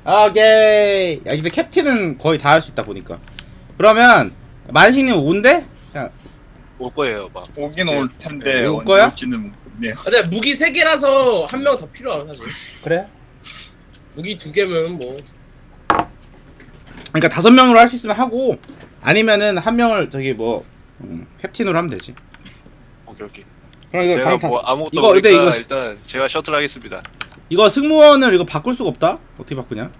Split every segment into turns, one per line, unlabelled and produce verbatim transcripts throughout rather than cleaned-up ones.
오케이. 야 근데 캡틴은 거의 다 할 수 있다 보니까. 그러면 만식님 온대? 그냥
올 거예요, 막.
오긴 올 텐데
올
언제
거야?
올지는 모르네요.
근데 무기 세 개라서 한 명 더 필요하 사실.
그래?
무기 두 개면 뭐.
그러니까 다섯 명으로 할 수 있으면 하고 아니면은 한 명을 저기 뭐 음, 캡틴으로 하면 되지.
오케이, 오케이.
그럼 이거
제가
강타.
뭐 아무것도
이거
모르니까
근데 이거
일단 제가 셔틀 하겠습니다.
이거 승무원을 이거 바꿀 수가 없다? 어떻게 바꾸냐?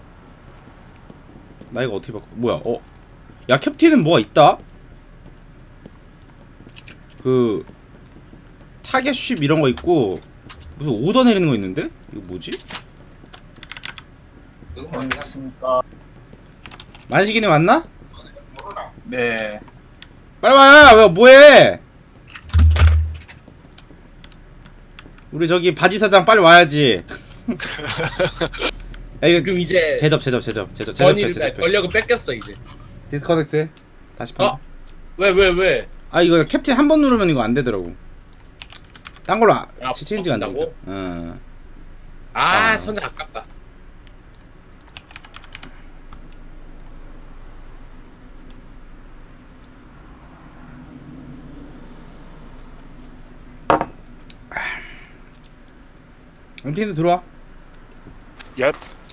나 이거 어떻게 바꿔? 뭐야? 어? 야 캡틴은 뭐가 있다? 그 타겟 쉽 이런 거 있고 무슨 오더 내리는 거 있는데? 이거 뭐지?
안녕하십니까.
만식이네 왔나?
네.
빨리 와! 왜 뭐해? 우리 저기 바지 사장 빨리 와야지. 야, 이거
지금 이제
제접 제접 제접 제접 제접해
권위를
제접해.
권력을 뺏겼어 이제.
디스커넥트 다시 판.
어? 왜 왜 왜?
아 이거 캡틴 한 번 누르면 이거 안 되더라고. 딴 걸로 아,
아,
체인지가 안
바꾼다고?
되니까. 어.
아,
아.
선장 아깝다.
엔티도 들어와.
얍.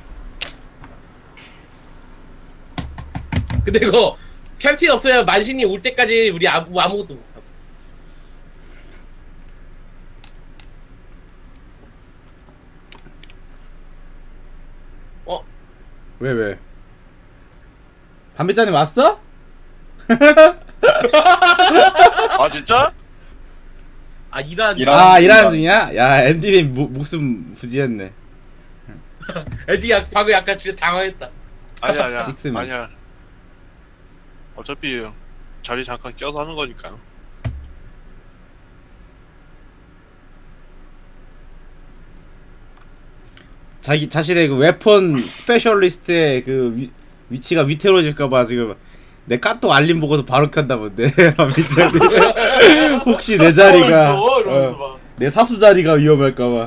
근데 이거 캡틴 없으면 만신이 올 때까지 우리 아무 아무것도 못하고. 어?
왜 왜? 담배잔이 왔어?
아 진짜?
아 일한
일한-
아 일하는 중이야? 야 앤디님 모, 목숨 부지했네.
에디야 방금 약간 진짜 당황했다.
아니야 아니야.
식스맨.
아니야. 어차피 자리 잠깐 껴서 하는 거니까요.
자기 자신의 그 웨폰 스페셜리스트의 그 위, 위치가 위태로워질까봐 지금 내 카톡 알림 보고서 바로 켠다 본데. 민철이 혹시 내 자리가
있어, 이러면서
어,
막.
내 사수 자리가 위험할까봐.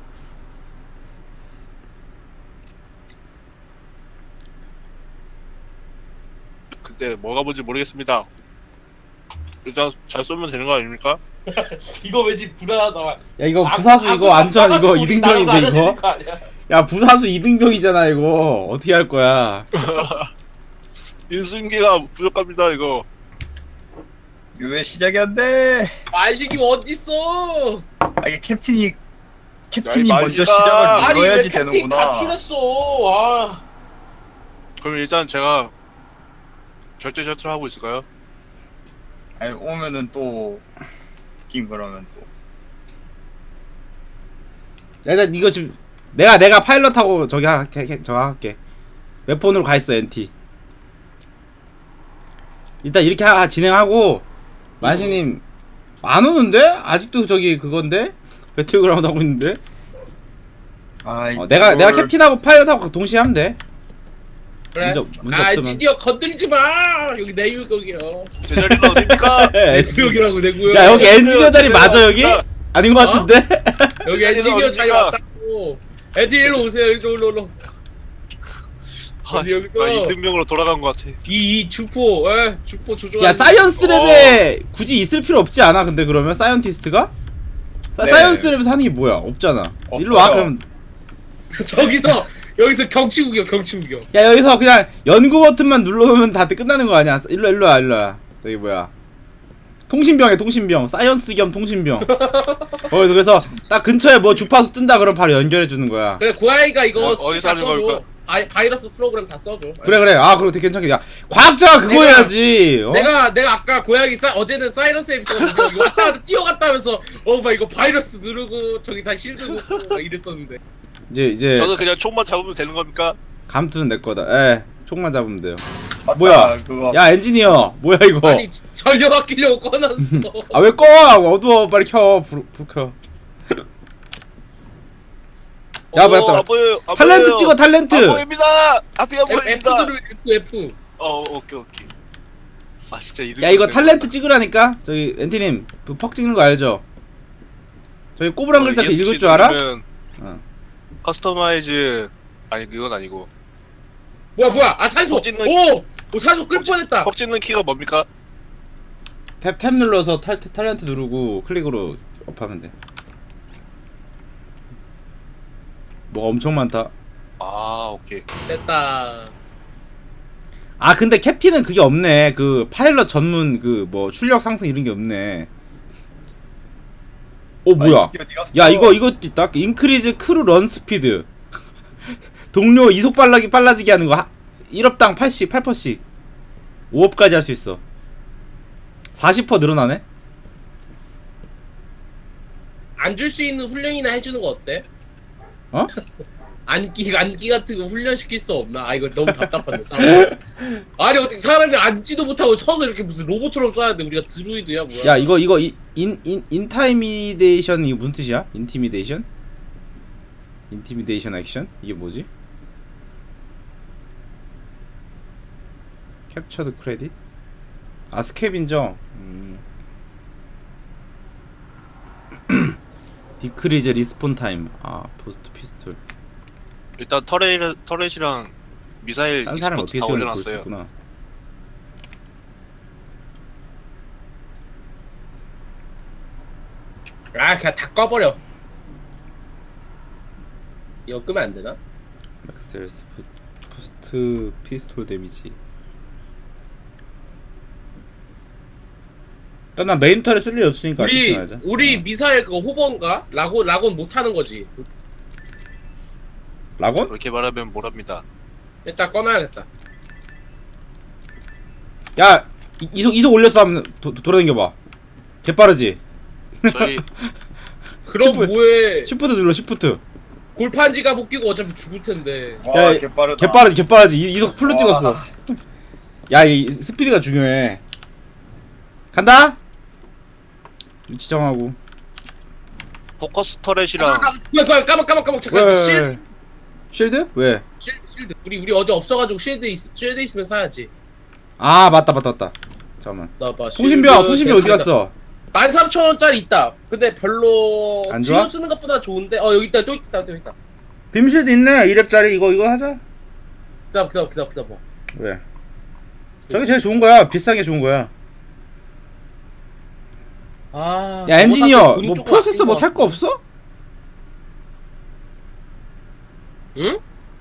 근데 뭐가 뭔지 모르겠습니다. 일단 잘 쏘면 되는 거 아닙니까?
이거 왠지 불안하다.
야 이거
아,
부사수
아,
이거
아,
안전 이거
우리
이등병인데
나가야
이거.
되는 거 아니야?
야 부사수 이등병이잖아 이거. 어떻게 할 거야?
인수인계가 부족합니다 이거.
왜 시작이 안 돼?
만식이 어딨어?
아 이게 캡틴이 캡틴이
야, 이
먼저
만식아.
시작을
아니 왜
눌러야지
캡틴
되는구나.
가출했어? 아.
그럼 일단 제가 결제 셔틀 하고 있을까요?
아니 오면은 또 웃긴 그러면 또.
야, 일단 이거 지금 내가 내가 파일럿하고 저기 할게 저거 할게. 웹폰으로 가 있어 엔티. 일단 이렇게 하, 진행하고 만시님 안 오는데? 아직도 저기 그건데 배틀그라운드 하고 있는데.
아
어, 내가 내가 캡틴하고 파일럿하고 동시에 하면 돼.
그래.
문제, 문제
아
없으면.
드디어 건드리지 마. 여기 내 구역이요.
제 자리는 어딥니까?
내 구역이라고 내 구역.
야 여기
엔-
엔지니어 자리 맞아 여기?
야.
아닌 것
어?
같은데?
여기
제 자리는
엔지니어 자리
어딥니까?
왔다고. 엔지니어 일로 오세요. 일로 일로 일로.
아,
어디 여기서?
나 이등병으로 돌아간 것 같아.
이, 이 주포, 에 주포 조종.
야 사이언스 랩에 굳이 있을 필요 없지 않아? 근데 그러면 사이언티스트가? 사,
네.
사이언스 랩에서 하는 게 뭐야? 없잖아.
없어요.
일로 와 그럼.
저기서 여기서 경치 구경, 경치 구경.
야 여기서 그냥 연구 버튼만 눌러놓으면 다 끝나는 거 아니야? 일로 일로 와 일로 와. 저기 뭐야? 통신병에 통신병, 사이언스 겸 통신병. 거기서 그래서 딱 근처에 뭐 주파수 뜬다 그럼 바로 연결해 주는 거야.
그래 고양이가 이거
어,
스킬
어디서
다
하는
써줘.
걸까?
바이, 바이러스 프로그램 다 써줘.
그래 그래. 아 그거 되게 괜찮게. 야 과학자가 그거
내가-
해야지. 어?
내가 내가 아까 고양이 사 어제는 사이러스 앱 있어가지고 이거 왔다 갔다 뛰어갔다 하면서 어막 이거 바이러스 누르고 저기 다 실드 놓고 막 이랬었는데.
이제 이제
저는 그냥 총만 잡으면 되는 겁니까?
감투는 내 거다. 에 총만 잡으면 돼요.
맞다,
뭐야?
그거.
야 엔지니어 뭐야 이거?
아니 전력 아끼려고 꺼놨어.
아 왜 꺼? 어두워 빨리 켜. 불, 불 켜. 야,
어,
맞다.
안 보여요. 안
탤런트
보여요.
찍어 탤런트.
안 보입니다. 앞이 안
F, F
보입니다.
누르 F F.
어 오케이 오케이. 아 진짜 이등.
야 이거 탤런트 찍으라니까. 저기 엔티님 그 퍽 찍는 거 알죠? 저기
어,
꼬부랑 글자 그 읽을 줄 알아? 어.
커스터마이즈 아니 그건 아니고
뭐야 뭐야 아 산소
어, 찢는-
오! 오 산소 끌 뻔했다
퍽 찢는 키가 뭡니까?
탭, 탭 눌러서 탈, 탈렌트 누르고 클릭으로 업하면 돼. 뭐가 엄청 많다.
아 오케이.
됐다
아 근데 캡틴은 그게 없네. 그 파일럿 전문 그 뭐 출력 상승 이런 게 없네. 오 뭐야?
아이, 어디 갔어?
야 이거 이것도 있다. 인크리즈 크루 런 스피드. 동료 이속 빨라기 빨라지게 하는 거. 하, 일 업당 팔씩 팔 퍼센트씩 오 업까지 할 수 있어. 사십 퍼센트 늘어나네.
안 줄 수 있는 훈련이나 해주는 거 어때?
어?
안기 안기 같은 거 훈련시킬 수 없나? 아 이거 너무 답답한데 사람. 아니 어떻게 사람이 앉지도 못하고 서서 이렇게 무슨 로봇처럼 써야 돼? 우리가 드루이드야 뭐야?
야 이거 이거 인 인 인타이미데이션 이거 무슨 뜻이야? 인티미데이션? 인티미데이션 액션? 이게 뭐지? 캡처드 크레딧? 아 스캡인저. 음. 디크리즈 리스폰 타임. 아 포스트 피스톨.
일단 터렛 터렛이랑 미사일
딴 사람
익스퍼트
어떻게
다
쓰는지 볼 수
올려놨어요.
있구나.
아 그냥 다 꺼버려. 이거 끄면 안 되나?
맥셀스 포스트 피스톨 데미지. 일단 난 메인 털에 쓸 일 없으니까
우리
집중하자.
우리
어.
미사일 그거 호번가? 라곤 라곤 못 하는 거지.
라곤?
그렇게 말하면 뭐랍니다.
일단 꺼놔야겠다.
야 이- 이속 이속 올렸어 한번 도, 도, 돌아다녀봐. 개빠르지?
저희
그럼
시프-
뭐해?
시프트 눌러 시프트.
골판지가 못 끼고 어차피 죽을 텐데.
와
야,
개빠르다.
개빠르지 개빠르지. 이- 이속 풀로
와.
찍었어. 야 이 스피드가 중요해. 간다. 지정하고.
포커스
아,
터렛이랑
아, 아, 까먹 까먹 까먹 잠깐.
왜,
실
왜, 쉴드? 왜?
실 실드. 우리 우리 어제 없어가지고 실드 있 실드 있으면 사야지.
아 맞다 맞다 맞다. 잠깐만.
나 봐.
통신병 통신병 어디 갔어?
만 삼천 원짜리 있다. 근데 별로
안 좋아?
지금 쓰는 것보다 좋은데. 어 여기 있다 또 있다 또 있다.
빔쉴드 있네. 일 렙짜리 이거 이거 하자.
기다려 기다려 기다려 기다려.
왜? 저게 제일 좋은 거야. 비싼 게 좋은 거야.
아.
야 엔지니어
저거 사실
뭐
돈
프로세서
조금
뭐
아낀
살 거 없어?
응?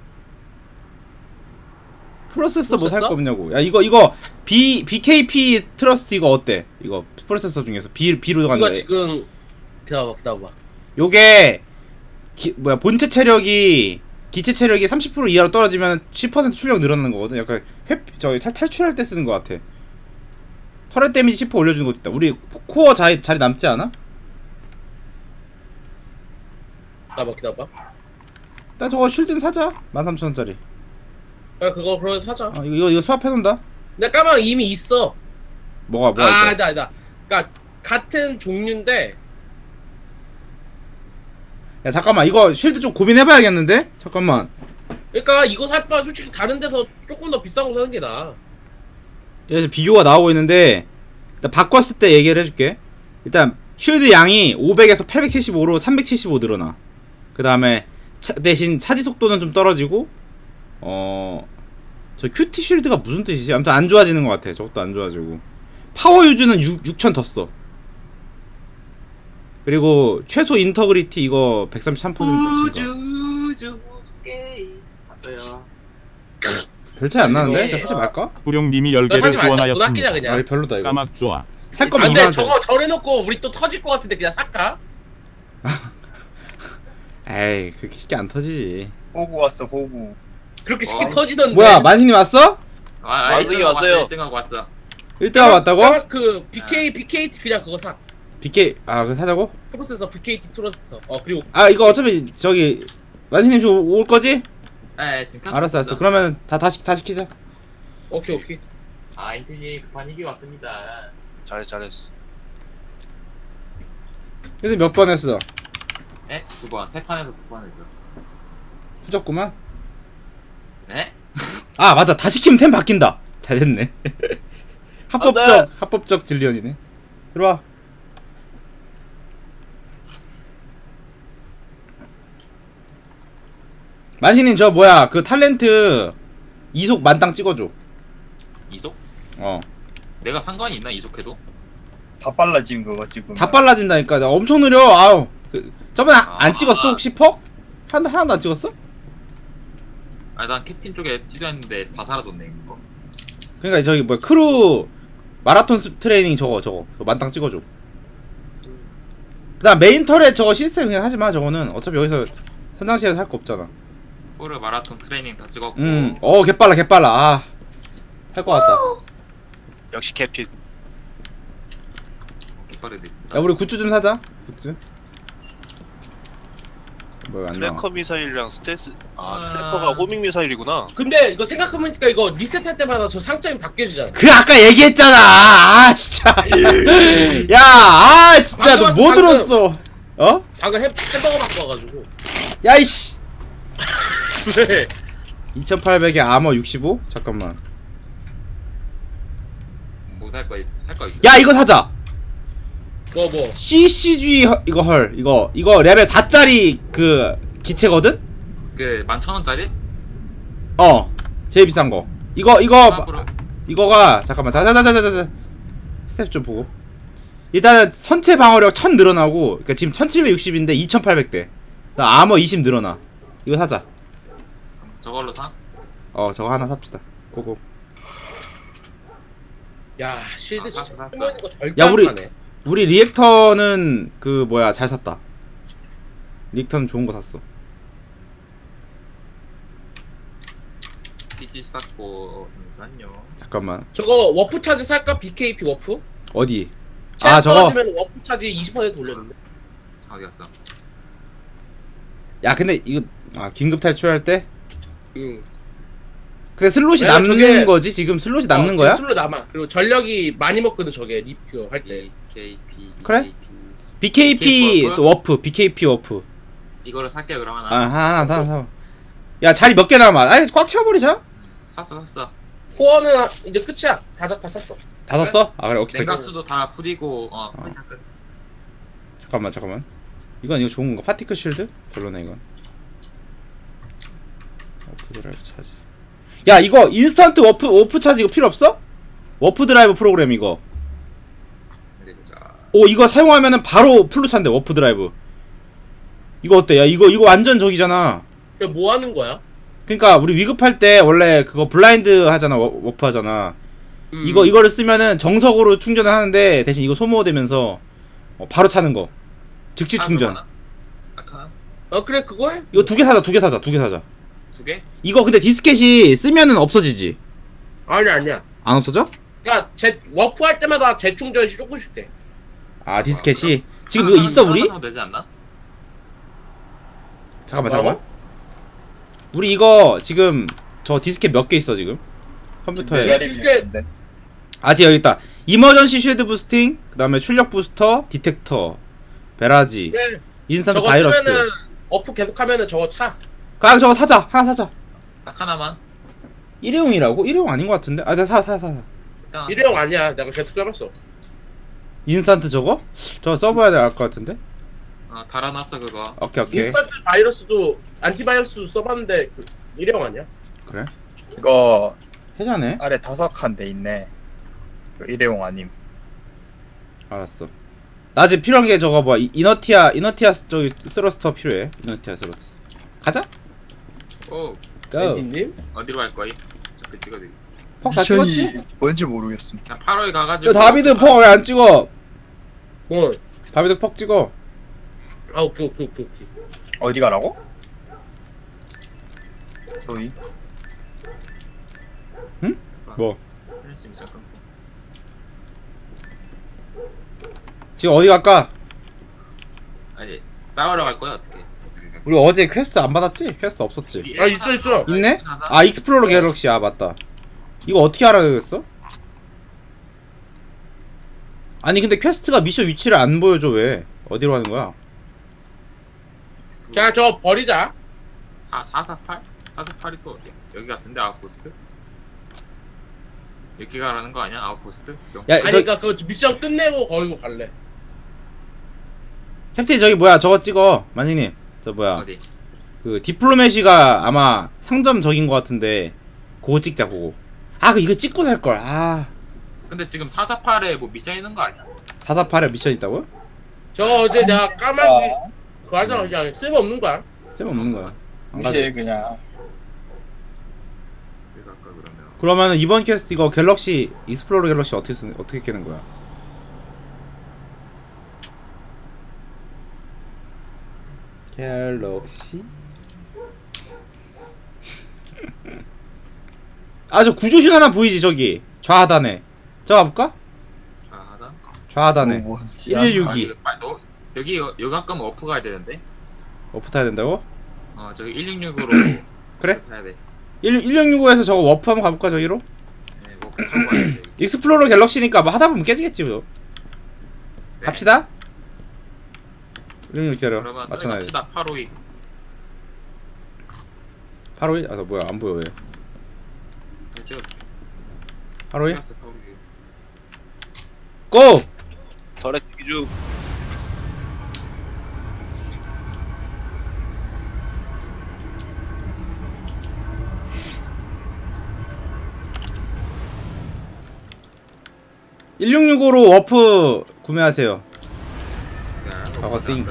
프로세서 뭐 살
프로세서?
거 없냐고. 야 이거 이거 B 비케이피 트러스트 이거 어때? 이거 프로세서 중에서 B B로 가는
이거
거.
지금 기다려봐 기다려봐.
요게 기, 뭐야 본체 체력이 기체 체력이 삼십 퍼센트 이하로 떨어지면 십 퍼센트 출력 늘어나는 거거든. 약간 회 저기 탈- 탈출할 때 쓰는 거 같아. 터렛 데미지 십 퍼센트 올려주는 것도 있다. 우리 코어 자리 자리 남지 않아?
기다려봐 기다려봐.
나 저거 쉴드는 사자. 만 삼천 원짜리.
야 그거 그럼 사자.
아 이거 이거, 이거 수합해 놓는다.
내 까망 이미 있어.
뭐가 뭐가
아
있어?
아니다 아니다. 그러니까 같은 종류인데.
야 잠깐만 이거 쉴드 좀 고민해봐야겠는데? 잠깐만.
그러니까 이거 살 바에 솔직히 다른 데서 조금 더 비싼 거 사는 게 나아.
여기서 비교가 나오고 있는데 일단 바꿨을 때 얘기를 해줄게. 일단 쉴드 양이 오백에서 팔백칠십오로 삼백칠십오 늘어나. 그 다음에 대신 차지 속도는 좀 떨어지고 어... 저 큐티 쉴드가 무슨 뜻이지? 아무튼 안 좋아지는 것 같아. 저것도 안 좋아지고 파워 유즈는 육천 더 써. 그리고 최소 인터그리티 이거 백삼십삼 퍼센트
우주 우주 게임 맞아요.
별 차이 안 나는데?
이거-
그냥 하지 말까?
구룡님이
너
열 개를
사지 말자. 돈
후원하였습니다.
아끼자 그냥.
아 별로다 이거.
까막 좋아.
살
아,
거면
근데
이만 원.
저거 절해놓고 우리 또 터질 것 같은데 그냥 살까?
에이 그렇게 쉽게 안 터지지.
호구 왔어 호구.
그렇게 쉽게
어.
터지던데.
뭐야 만신이 왔어?
아,
완승이 왔어요.
일 등하고 왔어.
일 등하고 왔다고?
까마 그 비케이 비케이티 그냥 그거 사.
비케이 아 그거 사자고?
프로세서 비케이티 트러스터. 어 그리고
아 이거 어차피 저기 만신님 좀 올 거지?
네, 지금 켰습니다.
알았어 알았어. 그러면 다 다시 다시 키자.
오케이 오케이.
아, 인텐이 급한 일이 왔습니다.
잘 잘했어.
그래서 몇 번 했어?
네? 두 번. 세 판에서 두 번 했어.
후졌구만.
네?
아 맞다. 다시 키면 템 바뀐다. 잘 됐네. 합법적
안 돼.
합법적 진리언이네. 들어와. 만신님 저 뭐야 그 탤런트 이속 만땅 찍어줘.
이속?
어.
내가 상관이 있나 이속해도?
다 빨라짐 그거 지금.
다 빨라진다니까. 나 엄청 느려. 아우. 그, 저번에
아.
안 찍었어 혹시 퍽? 한 하나도 안 찍었어?
아니 난 캡틴 쪽에 티저했는데 다 사라졌네 이거.
그러니까 저기 뭐 크루 마라톤 스- 트레이닝 저거 저거 그거 만땅 찍어줘. 그다음 메인 터렛 저거 시스템 그냥 하지 마. 저거는 어차피 여기서 선장실에서 할 거 없잖아.
풀 마라톤 트레이닝 다 찍었고.
음, 어 개빨라 개빨라. 아, 할 거 같다.
역시 캡틴.
빠르네 진짜.
야 우리 굿즈 좀 사자. 굿즈. 뭐야 안 나와.
트래커 미사일이랑 스텔스. 아,
아.
트래커가 호밍 미사일이구나.
근데 이거 생각해보니까 이거 리셋할 때마다 저 상점이 바뀌어지잖아.
그 아까 얘기했잖아. 아 진짜. 야, 아 진짜 너
방금
뭐
방금.
들었어? 어?
방금 햄, 햄버거 바꿔가지고.
야 이씨.
왜?
이천팔백에 아머 육십오? 잠깐만.
뭐 살 거 살 거 있어?
야 이거 사자.
뭐 뭐.
씨씨지 허- 이거 헐 이거 이거 레벨 사짜리 그 기체거든?
그 만 천 원짜리?
어 제일 비싼 거. 이거 이거
아, 그럼.
이거가 잠깐만 자자자자자자 스텝 좀 보고. 일단 선체 방어력 천 늘어나고 그러니까 지금 천칠백육십인데 이천팔백 대. 나 아머 이십 늘어나. 이거 사자.
저걸로 사?
어 저거 하나 삽시다. 고고.
야, 쉴드
아,
진짜
샀어, 샀어.
쓰면 이거 절대
야,
안
우리-
가네.
우리 리액터는 그 뭐야 잘 샀다. 리액터는 좋은 거 샀어.
피지 샀고 잠시만요.
잠깐만
저거 워프 차지 살까? 비케이피 워프?
어디?
아
아 저거
떨어지면 워프 차지 이십 퍼센트 올렸는데.
어디 갔어?
야 근데 이거 아 긴급 탈출할 때?
응.
근데 슬롯이
왜냐면
남는
저게-
거지 지금 슬롯이 남는
어,
거야?
술로 남아. 그리고 전력이 많이 먹거든 저게 리뷰 할 때.
케이피.
그래? 비케이피
워프?
또 워프 비케이피 워프.
이거를 살게 그럼 하나.
아 하나 하나 사. 야 자리 몇 개 남아? 아니 꽉 채워버리자.
샀어 샀어.
코어는 이제 끝이야. 다다 다 샀어.
다 샀어? 아 그래 오케이. 오케이.
냉각수도 다 풀이고 어
어.
끝이야 끝.
잠깐만 잠깐만. 이건 이거 좋은 거 파티클 쉴드? 별로네 이건. 워프 드라이브 차지. 야 이거 인스턴트 워프 워프 차지 이거 필요 없어? 워프 드라이브 프로그램 이거.
어디 보자.
오 이거 사용하면은 바로 풀로 찬대 워프 드라이브. 이거 어때? 야 이거 이거 완전 저기잖아.
이거 뭐 하는 거야?
그러니까 우리 위급할 때 원래 그거 블라인드 하잖아 워, 워프 하잖아.
음.
이거 이거를 쓰면은 정석으로 충전을 하는데 대신 이거 소모되면서 어, 바로 차는 거. 즉시 충전.
아까
어 그래 그거 해.
이거 두 개 사자 두 개 사자 두 개 사자.
두 개?
이거 근데 디스켓이 쓰면은 없어지지?
아니 아니야.
안 없어져?
그러니까 제 워프 할 때마다 재충전이 조금씩 돼.
아 디스켓이 지금
한-
이거
한-
있어
하나
우리?
사면 되지 않나?
잠깐만
뭐라고?
잠깐만. 우리 이거 지금 저 디스켓 몇 개 있어 지금? 컴퓨터에.
내 자리
이게-
비었는데.
아 지금 여기 있다. 이머전시 쉴드 부스팅, 그 다음에 출력 부스터, 디텍터, 베라지,
그래.
인스턴트
저거
바이러스.
쓰면은 워프 계속하면은 저거 차.
아 저거 사자. 하나 사자.
딱 하나만.
일회용이라고? 일회용 아닌 것 같은데? 아, 내가 사, 사, 사. 사.
일단
일회용 아니야. 내가 계속 써봤어.
인스턴트 저거? 저거 써봐야 될 것 같은데?
어, 달아놨어 그거.
오케이, 오케이.
인스턴트 바이러스도 안티바이러스도 써봤는데 그 일회용 아니야?
그래?
이거
해자네?
아래 다섯 칸 돼 있네. 그 일회용 아님.
알았어. 나 지금 필요한 게 저거 뭐, 이- 이너티아, 이너티아 저기 스러스터 필요해. 이너티아 스러스터. 가자!
오
고!
님
어디로 갈 거임? 저그 찍어드리.
퍽다 찍었지?
미션이 뭔지 모르겠음.
그냥 팔 호에 가가지고.
저 다비드 퍽 왜 안 찍어?
뭐?
다비드 퍽 찍어.
아 오케이 오케이 오케이 오케이.
어디 가라고? 저기.
뭐?
플래시 미션 끊고.
지금 어디 갈까?
아니 싸우러 갈 거야 어떻게? 어떻게 갈 거야?
우리 어제 퀘스트 안 받았지? 퀘스트 없었지?
아, 있어, 있어.
있네? 아, 익스플로러 갤럭시. 아, 맞다. 이거 어떻게 알아야겠어? 아니, 근데 퀘스트가 미션 위치를 안 보여줘, 왜? 어디로 가는 거야?
그냥 저거 버리자.
사 사사팔? 사사팔이 또 어디야? 여기 같은데 아웃포스트? 여기 가라는 거 아니야 아웃포스트? 영-
야,
아니
저,
그니까 그 미션 끝내고 거기로 갈래.
캡틴 저기 뭐야, 저거 찍어. 만식님. 저 뭐야.
어디?
그, 디플로메시가 아마 상점 적인 것 같은데, 그거 찍자 그거. 아 그 이거 찍고 살걸. 아
근데 지금 사사팔에 뭐 미션 있는 거 아니야?
사사팔에 미션 있다고요?
저 어제 내가 까마귀 그거 하잖아. 그냥 쓸모없는 거야.
쓸모없는 거야. 안 가도
무시해
돼.
그냥.
내가 아까 그러면
그러면은 이번 퀘스트 이거 갤럭시 익스플로러 갤럭시 어떻게 쓰 어떻게 깨는 거야? 갤럭시 아 저 구조신 하나 보이지 저기 좌하단에. 저거 가볼까?
좌하단?
좌하단에
뭐,
일일육이.
아, 이거 빨리 너 여기 여기 가까면 어프 가야 되는데.
워프 타야 된다고?
어 저기 일육육으로
그래?
타야 돼.
일육육오에서 저거 워프 한번 가볼까 저기로?
네, 어프 타고 가야 돼.
익스플로러 갤럭시니까 뭐 하다보면 깨지겠지 뭐.
네.
갑시다. 일육육 기다려.
그러면
맞춰놔야지.
갑시다. 팔오이.
팔오일? 아, 나 뭐야 안 보여 왜?
제가
팔오일?
플러스 팔오이.
고!
덜의 기준.
일육육오로 워프 구매하세요. 과거 싱.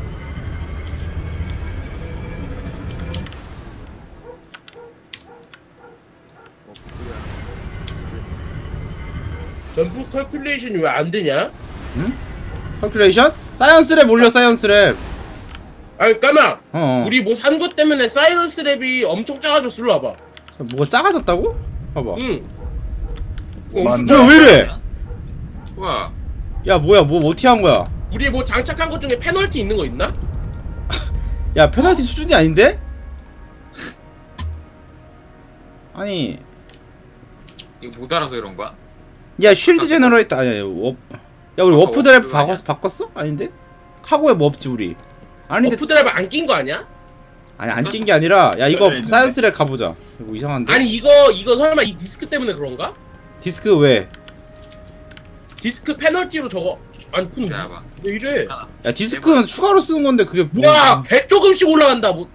점프 컬큘레이션이 왜 안 되냐?
컬큘레이션? 사이언스랩 올려 사이언스랩.
아니 까마
어.
우리 뭐 산 것 때문에 사이언스 랩이 엄청 작아졌어. 일로 와봐.
뭐가 작아졌다고? 봐봐.
응.
뭐가
엄청
안
작아.
왜 이래?
우와.
야 뭐야 뭐 어떻게 한 거야?
우리 뭐 장착한 것 중에 페널티 있는 거 있나?
야 페널티 수준이 아닌데? 아니
이거 못 알아서 이런 거야?
야 쉴드 제너레이터 아니야 야, 워... 야 우리
아까
워프 드라이브
워프 아니야?
바꿨어? 바꿨어? 아닌데? 카고에 뭐 없지 우리. 아닌데
어프 드라이브 안 낀 거 아니야?
아니 안 낀 게 아니라 야 이거
있는데?
사이언스랩 가보자. 이거 이상한데?
아니 이거 이거 설마 이 디스크 때문에 그런가?
디스크 왜?
디스크 페널티로 저거 안 큰.
기다려봐.
왜 이래?
야 디스크는 추가로 쓰는 건데 그게 뭐?
와, 개 조금씩 올라간다. 뭐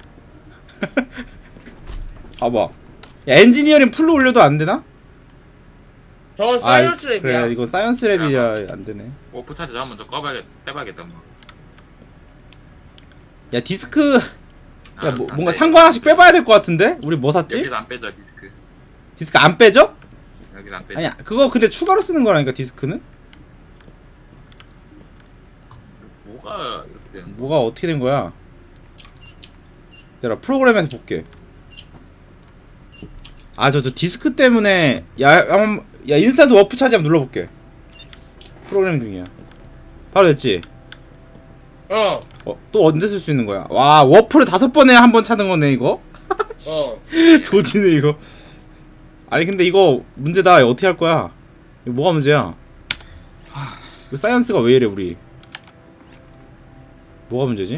봐봐. 야 엔지니어링 풀로 올려도 안 되나?
저건
아
사이언스 랩이야.
그래 이거 사이언스 랩이야 안 되네.
오프 차지 한번 더 꺼봐야겠, 빼봐야겠다 뭐.
야 디스크
아,
야 뭐,
안
뭔가
빼.
상관 하나씩 빼봐야 될 것 같은데? 우리 뭐 샀지?
여기서 안 빼져 디스크.
디스크 안 빼죠?
여기서 안 빼져.
아니야 그거 근데 추가로 쓰는 거라니까 디스크는?
뭐가 이렇게 되는 거야?
뭐가 어떻게 된 거야? 내가 프로그램에서 볼게. 아 저 저 디스크 때문에 야, 야, 야 인스턴트 워프 차지 한번 눌러볼게. 프로그램 중이야. 바로 됐지?
어,
어, 또 언제 쓸 수 있는 거야? 와 워프를 다섯 번에 한 번 찾는 거네 이거?
어.
도지네 이거. 아니 근데 이거 문제다. 이거 어떻게 할 거야? 이거 뭐가 문제야? 이거 사이언스가 왜 이래 우리? 뭐가 문제지?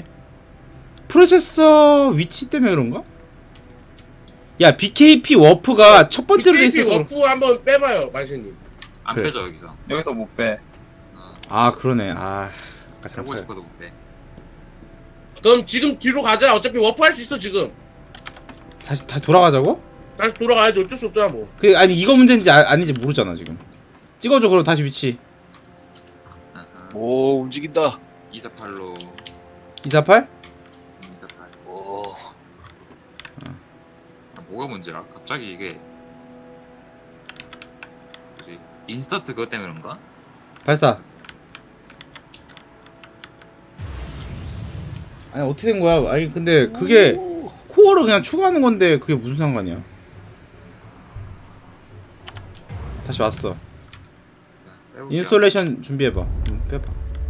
프로세서 위치 때문에 그런가? 야 비케이피 워프가 첫 번째로 돼 있어서 그런-
워프 한번 빼봐요, 마신님.
안
그래.
빼져 여기서.
여기서 못 빼.
어,
아 그러네. 아 아까 잘못
보고
찾아.
싶어도 못 빼.
그럼 지금 뒤로 가자. 어차피 워프 할 수 있어 지금.
다시 다시 돌아가자고?
다시 돌아가야지. 어쩔 수 없잖아 뭐.
그 아니 이거 문제인지 아, 아닌지 모르잖아 지금. 찍어줘 그럼 다시 위치.
아하.
오 움직인다.
이사팔로
이사팔?
이사팔.
오.
아, 뭐가 문제야? 갑자기 이게 뭐지? 인스턴트 그것 때문에 그런가?
발사. 아니 어떻게 된 거야? 아니 근데 그게 코어를 그냥 추가하는 건데 그게 무슨 상관이야? 다시 왔어.
자, 빼볼게요.
인스톨레이션 준비해봐. 응, 빼봐.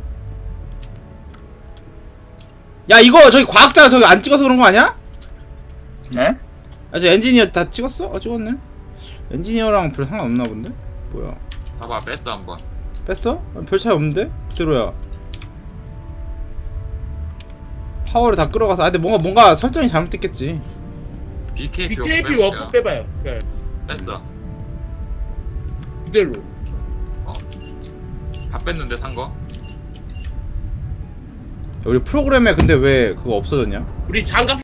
야 이거 저기 과학자 저기 안 찍어서 그런 거 아니야?
네?
아 저 엔지니어 다 찍었어? 아 찍었네. 엔지니어랑 별 상관없나 본데? 뭐야?
봐봐 뺐어 한번.
뺐어? 아, 별 차이 없는데? 그대로야. 파워를 다 끌어가서 아 근데 뭔가 뭔가 설정이 잘못됐겠지.
비케이피,
비케이피
워프
워프
빼볼게요.
빼봐요. 네.
뺐어.
그대로.
다 뺐는데 산 거?
우리 프로그램에 근데 왜 그거 없어졌냐?
우리 장갑